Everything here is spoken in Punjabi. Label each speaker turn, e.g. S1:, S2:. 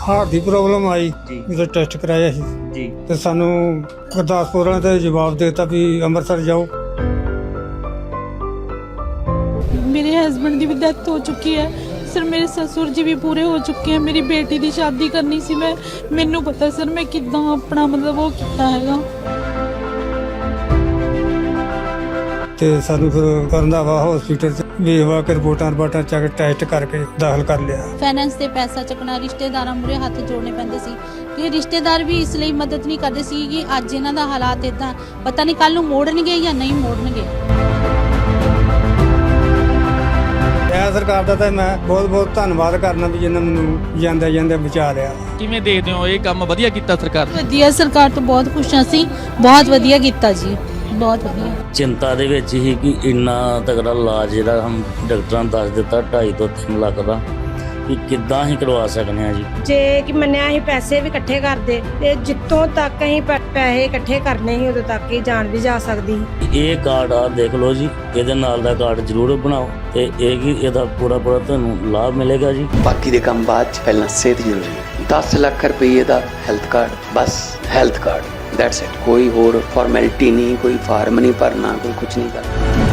S1: ਹਾਰਟ ਦੀ ਪ੍ਰੋਬਲਮ ਆਈ
S2: ਜੀ
S1: ਜਦੋਂ ਟੈਸਟ ਕਰਾਇਆ ਸੀ
S2: ਜੀ
S1: ਤੇ ਸਾਨੂੰ ਗੁਰਦਾਸਪੁਰ ਵਾਲਿਆਂ ਤੇ ਜਵਾਬ ਦੇ ਦਿੱਤਾ ਵੀ ਅੰਮ੍ਰਿਤਸਰ ਜਾਓ।
S3: मेरे हस्बैंड की भी डेथ हो चुकी है सर, मेरे ससुर जी भी पूरे हो चुके हैं। मेरी बेटी की शादी करनी सी, मैनू पता सर मैं किद्दां अपना मतलब वो किया हैगा।
S1: ਤੇ ਸਾਨੂੰ ਫਿਰ ਰੰਧਾਵਾ ਹਸਪੀਟਲ ਚ ਵੇਖਵਾ ਕੇ ਰਿਪੋਰਟਾਂ ਚੱਕ ਟੈਸਟ ਕਰਕੇ ਦਾਖਲ ਕਰ ਲਿਆ।
S4: ਫਾਈਨੈਂਸ ਤੇ ਪੈਸਾ ਚੱਕਣਾ, ਰਿਸ਼ਤੇਦਾਰਾਂ ਮੂਹਰੇ ਹੱਥ ਜੋੜਨੇ ਪੈਂਦੇ ਸੀ ਕਿ ਰਿਸ਼ਤੇਦਾਰ ਵੀ ਇਸ ਲਈ ਮਦਦ ਨਹੀਂ ਕਰਦੇ ਸੀ ਕਿ ਅੱਜ ਇਹਨਾਂ ਦਾ ਹਾਲਾਤ ਇਦਾਂ, ਪਤਾ ਨਹੀਂ ਕੱਲ ਨੂੰ ਮੋੜਨਗੇ ਜਾਂ ਨਹੀਂ ਮੋੜਨਗੇ।
S1: ਇਹ ਸਰਕਾਰ ਦਾ ਤਾਂ ਮੈਂ ਬਹੁਤ ਧੰਨਵਾਦ ਕਰਨਾ ਵੀ ਜਿਹਨਾਂ ਮੈਨੂੰ ਜਾਂਦੇ ਬਚਾ ਲਿਆ।
S2: ਕਿਵੇਂ ਦੇਖਦੇ ਹੋ ਇਹ ਕੰਮ ਵਧੀਆ ਕੀਤਾ ਸਰਕਾਰ ਨੇ?
S4: ਵਧੀਆ, ਸਰਕਾਰ ਤੋਂ ਬਹੁਤ ਖੁਸ਼ ਹਾਂ ਅਸੀਂ, ਬਹੁਤ ਵਧੀਆ ਕੀਤਾ ਜੀ, ਬਹੁਤ ਵਧੀਆ।
S5: ਚਿੰਤਾ ਦੇ ਵਿੱਚ ਹੀ ਕਿ ਇੰਨਾ ਤਕੜਾ ਇਲਾਜ ਜਿਹੜਾ ਹਮ ਡਾਕਟਰਾਂ ਨੇ ਦੱਸ ਦਿੱਤਾ 2.5 ਤੋਂ 3 ਲੱਖ ਦਾ, ਕਿ ਕਿੱਦਾਂ ਹੀ ਕਰਵਾ ਸਕਦੇ ਆ ਜੀ।
S6: ਜੇ ਕਿ ਮੰਨਿਆ ਅਸੀਂ ਪੈਸੇ ਵੀ ਇਕੱਠੇ ਕਰਦੇ ਤੇ ਜਿੱਤੋਂ ਤੱਕ ਅਸੀਂ ਪੈਸੇ ਇਕੱਠੇ ਕਰਨੇ ਸੀ ਉਦੋਂ ਤੱਕ ਹੀ ਜਾਨ ਵੀ ਜਾ ਸਕਦੀ ਸੀ।
S5: ਇਹ ਕਾਰਡ ਆ ਦੇਖ ਲਓ ਜੀ, ਇਹਦੇ ਨਾਲ ਦਾ ਕਾਰਡ ਜ਼ਰੂਰ ਬਣਾਓ ਤੇ ਇਹ ਕਿ ਇਹਦਾ ਪੂਰਾ ਤੁਹਾਨੂੰ ਲਾਭ ਮਿਲੇਗਾ ਜੀ।
S7: ਬਾਕੀ ਦੇ ਕੰਮ ਬਾਅਦ ਚ, ਪਹਿਲਾਂ ਸਿਹਤ ਜ਼ਰੂਰੀ ਹੈ। 10 ਲੱਖ ਰੁਪਏ ਦਾ ਹੈਲਥ ਕਾਰਡ, ਬਸ ਹੈਲਥ ਕਾਰਡ, ਦੈਟਸ ਇਟ। ਕੋਈ ਹੋਰ ਫਾਰਮੈਲਿਟੀ ਨਹੀਂ, ਕੋਈ ਫਾਰਮ ਨਹੀਂ ਭਰਨਾ, ਕੋਈ ਕੁਝ ਨਹੀਂ ਕਰਨਾ।